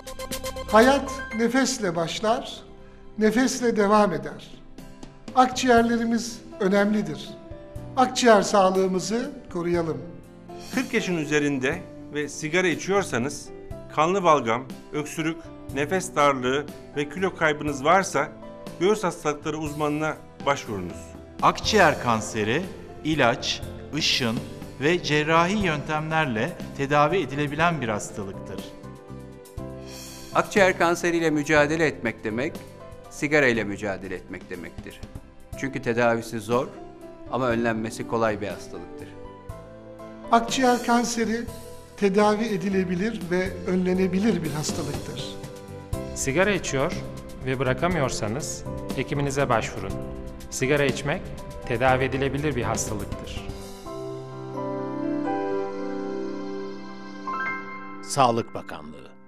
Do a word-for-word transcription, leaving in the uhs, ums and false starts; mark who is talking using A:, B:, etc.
A: Hayat nefesle başlar, nefesle devam eder. Akciğerlerimiz önemlidir. Akciğer sağlığımızı koruyalım.
B: kırk yaşın üzerinde ve sigara içiyorsanız, kanlı balgam, öksürük, nefes darlığı ve kilo kaybınız varsa göğüs hastalıkları uzmanına başvurunuz.
C: Akciğer kanseri, ilaç, ışın ve cerrahi yöntemlerle tedavi edilebilen bir hastalıktır.
D: Akciğer kanseriyle mücadele etmek demek, sigara ile mücadele etmek demektir. Çünkü tedavisi zor ama önlenmesi kolay bir hastalıktır.
A: Akciğer kanseri tedavi edilebilir ve önlenebilir bir hastalıktır.
E: Sigara içiyor ve bırakamıyorsanız hekiminize başvurun. Sigara içmek tedavi edilebilir bir hastalıktır.
F: Sağlık Bakanlığı